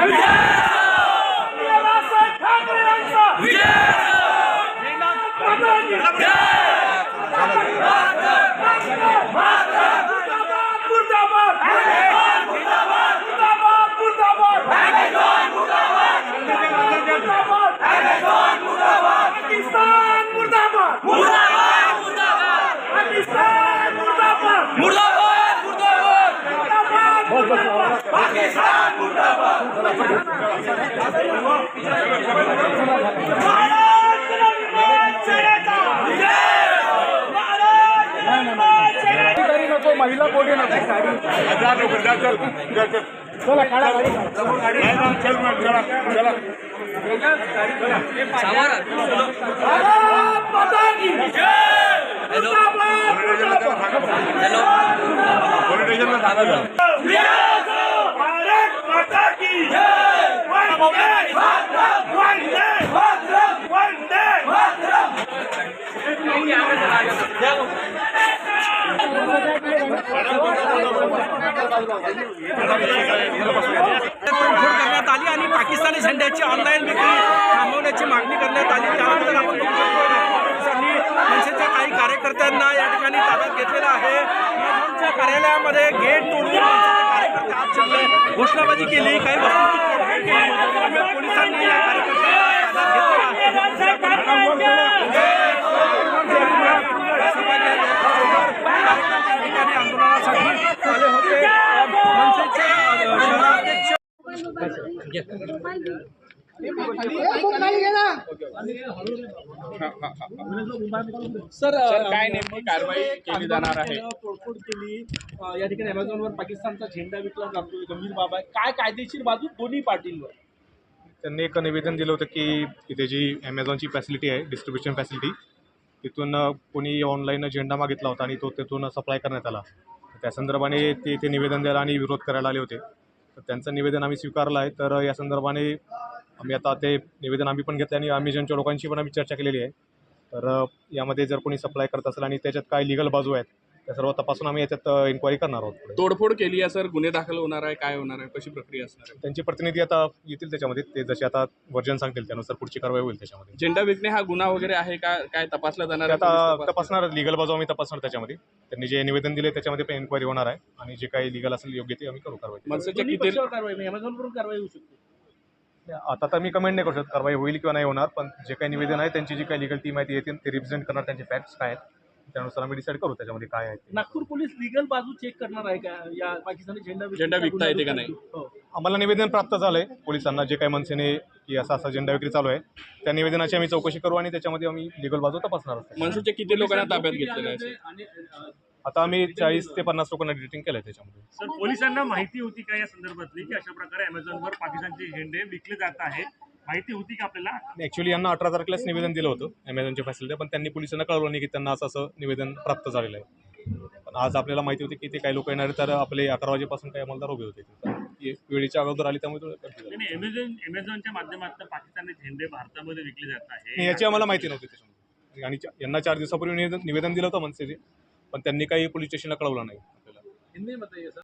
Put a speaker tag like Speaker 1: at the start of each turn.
Speaker 1: महिला कोणी नको चला काढा
Speaker 2: करण्यात आली आणि पाकिस्तानी झेंड्याची ऑनलाईन विक्री थांबवण्याची मागणी करण्यात आली। त्यानंतर आपण बघू शकतो पोलिसांनी मनसेच्या काही कार्यकर्त्यांना या ठिकाणी ताब्यात घेतलेला आहे। मनसेच्या कार्यालयामध्ये गेट तोडून कार्यकर्ते आत शिरले, घोषणाबाजी केली, काही वस्तू तोडफोड केली, त्यामुळे पोलिसांनी या कार्यकर्त्यांना ताब्यात घेतलेला आहे। आंदोलनासाठी आले होते मनसेचे शहराध्यक्ष
Speaker 1: सर काय नेमकी कारवाई केली जाणार आहे? तोडफोड केली या ठिकाणी अमेझॉनवर पाकिस्तानचा झेंडा विकला जातो, गंभीर बाब आहे। काय कायदेशीर बाजू दोन्ही पार्टींवर?
Speaker 3: त्यांनी एक निवेदन दिलं होतं की तिथे जी ॲमेझॉनची फॅसिलिटी आहे, डिस्ट्रीब्युशन फॅसिलिटी, तिथून कोणी ऑनलाईन झेंडा मागितला होता आणि तो तिथून सप्लाय करण्यात आला। त्या संदर्भाने ते निवेदन द्यायला आणि विरोध करायला आले होते। तर त्यांचं निवेदन आम्ही स्वीकारलं आहे। तर या संदर्भाने आम्ही आता ते निवेदन आम्ही पण घेतलं आणि अमेझॉनच्या लोकांशी पण आम्ही चर्चा केलेली आहे। तर यामध्ये जर कोणी सप्लाय करत असेल आणि त्याच्यात काय लिगल बाजू आहेत त्या सर्व तपासून आम्ही याच्यात इन्क्वायरी करणार आहोत।
Speaker 1: तोडफोड केली आहे सर, गुन्हे दाखल होणार आहे, काय होणार आहे, कशी प्रक्रिया असणार आहे?
Speaker 3: त्यांचे प्रतिनिधी आता येतील त्याच्यामध्ये, ते जसे आता वर्जन सांगतील त्यानुसार पुढची कारवाई होईल। त्याच्यामध्ये
Speaker 1: झेंडा विकणे हा गुन्हा वगैरे आहे का, काय तपासला जाणार आहे?
Speaker 3: आता तपासणार, लिगल बाजू आम्ही तपासणार त्याच्यामध्ये। त्यांनी जे निवेदन दिले त्याच्यामध्ये पण इन्क्वायरी होणार आहे आणि जे काही लिगल असेल योग्य ते आम्ही करू कारवाई।
Speaker 1: मनसेच्या किती कारवाई अमेझॉनवरून कारवाई होऊ शकते?
Speaker 3: आता तर मी कमेंट नाही करू शकत कारवाई होईल किंवा नाही होणार, पण जे काही निवेदन आहे त्यांची जी काही लिगल टीम आहे ती येतील, ते रिप्रेझेंट करणार त्यांचे फॅक्ट्स काय आहेत त्यानुसार आम्ही डिसाईड करू त्याच्यामध्ये काय आहे।
Speaker 1: नागपूर पोलीस लिगल बाजू चेक करणार आहे का या पाकिस्तानी झेंडा विकता येते का नाही?
Speaker 3: आम्हाला निवेदन प्राप्त झालंय पोलिसांना, जे काही मनसेने की असा झेंडा विक्री चालू आहे त्या निवेदनाची आम्ही चौकशी करू आणि त्याच्यामध्ये आम्ही लिगल बाजू तपासणार आहोत।
Speaker 1: मनसेच्या किती लोकांना ताब्यात घेतलेलं आहे?
Speaker 3: आता आम्ही 40 ते 50 लोकांना डिटेक्टिंग केलंय त्याच्यामध्ये।
Speaker 4: सर, पोलिसांना माहिती होती का या संदर्भातली की अशा प्रकारे अमेझॉनवर पाकिस्तानचे झेंडे विकले जात आहे? माहिती होती का आपल्याला?
Speaker 3: ॲक्च्युली यांना 18 तारखेलाच निवेदन दिलं होतं अमेझॉनच्या फॅसिलिटी, पण त्यांनी पोलिसांना कळवलं नाही की त्यांना असं निवेदन प्राप्त झालेलं आहे। पण आज आपल्याला माहिती होती की ते काही लोक येणार, तर आपले 11 वाजेपासून काही अंमलदार उभे होते, तर वेळेच्या अगोदर आली त्यामुळे
Speaker 4: अमेझॉनच्या माध्यमातून पाकिस्तानी झेंडे भारतामध्ये विकले जात आहे
Speaker 3: याची आम्हाला माहिती नव्हती त्याच्यामध्ये। आणि यांना 4 दिवसापूर्वी निवेदन दिलं होतं मनसेचे, पण त्यांनी काही पोलीस स्टेशनला कळवलं नाही आपल्याला।